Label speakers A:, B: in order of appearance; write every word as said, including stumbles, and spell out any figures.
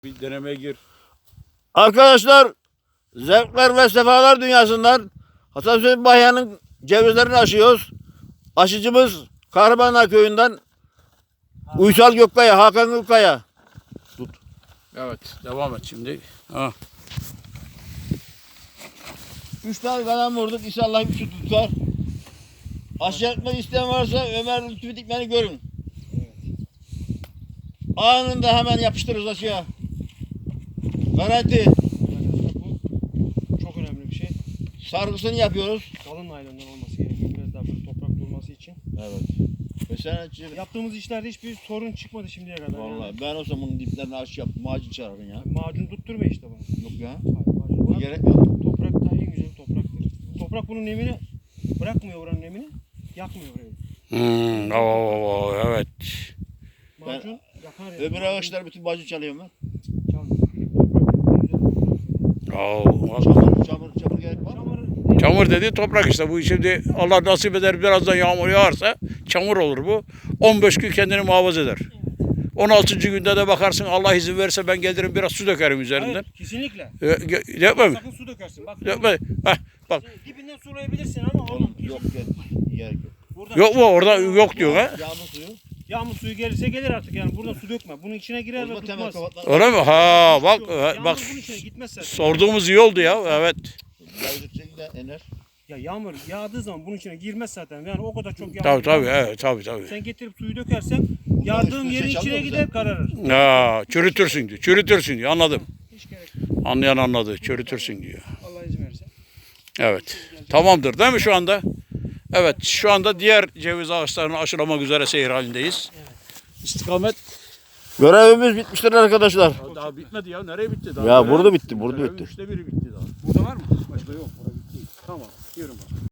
A: Bir denemeye gir.
B: Arkadaşlar, zevkler ve sefalar dünyasından Hasan Hüseyin Bahya'nın cevizlerini aşıyoruz. Aşıcımız Kahramanlar Köyü'nden Uysal Gökkaya, Hakan Gökkaya.
A: Tut. Evet, devam et şimdi. Ha.
B: Üç tane kalan vurduk. İnşallah bir şu tutar. Aşı yapmak isteyen varsa Ömer Lütfü Dikmen'i görün. Anında hemen yapıştırırız aşıya. Garanti.
C: Bu çok önemli bir şey.
B: Sargısını yapıyoruz.
C: Kalın naylondan olması gerekiyor. Biraz daha böyle toprak durması için.
B: Evet. Mesela
C: Yaptığımız işlerde hiçbir sorun çıkmadı şimdiye kadar.
B: vallahi
C: Yani.
B: ben olsam bunun diplerine aşı yaptım. Macun çağırın ya.
C: Macun tutturma işte bunu.
B: Yok ya.
C: Hayır, macun.
B: Bu
C: Bak,
B: gerek yok.
C: toprak da en güzel topraktır. Toprak bunun nemini bırakmıyor, oranın nemini. Yakmıyor orayı.
A: Hmm, oo, oo, evet.
C: Macun yakar yani.
B: Öbür ağaçlar bütün macun çalıyorum ben.
C: Çamur. Toprak güzel toprak.
A: Oo, bak.
B: Çamur, çamur, çamur gerek var.
C: Çamur,
A: Çamur dedi toprak işte bu. Şimdi Allah nasip eder birazdan yağmur yağarsa çamur olur bu. on beş gün kendini muhafaza eder. on altıncı günde de bakarsın Allah izin verirse ben gelirim biraz su dökerim üzerinden.
C: Hayır, kesinlikle.
A: E, ge- Yapma mı?
C: Sakın su dökersin. Bak.
A: Yapma. Heh, bak.
C: Dibinden sulayabilirsin ama
B: Oğlum
C: oğlum.
B: yok gerek, gerek yok.
C: Buradan
A: Yok mu orada yok diyor ha?
B: Yağmur suyu.
C: Yağmur suyu gelirse gelir artık yani. Burada su dökme. Bunun içine girer ve
B: Orada temel
C: tutmaz.
B: kapatlar.
A: Öyle mi? Ha bak
C: Yağmur
A: bak
C: bunun içine gitmez zaten.
A: sorduğumuz iyi oldu ya. Evet.
B: Yağcık şekilde ener.
C: Ya yağmur yağdığı zaman bunun içine girmez zaten. Yani o kadar çok yağmur.
A: Tabii tabii
C: yağmaz.
A: evet tabii tabii.
C: Sen getirip suyu dökersen yardığım
B: üstüne
C: yerin
B: şey çalıyor
C: içine
B: mu
C: gider kararır.
A: Ya çürütürsün diyor. Çürütürsün diyor. Anladım.
C: Hiç gerek yok.
A: Anlayan anladı. Çürütürsün diyor.
C: Allah izin verirse.
A: Evet. Tamamdır değil mi şu anda? Evet. Şu anda diğer ceviz ağaçlarını aşılamak üzere seyir halindeyiz. İstikamet.
B: Görevimiz bitmiştir arkadaşlar.
A: Daha bitmedi ya. Nereye bitti daha?
B: Ya
A: Görev-
B: burada bitti, burada
A: görevin
B: bitti.
A: Üçte biri bitti daha. Burada var mı? Başka yok. Burada bitti. Tamam. Yürü bakalım.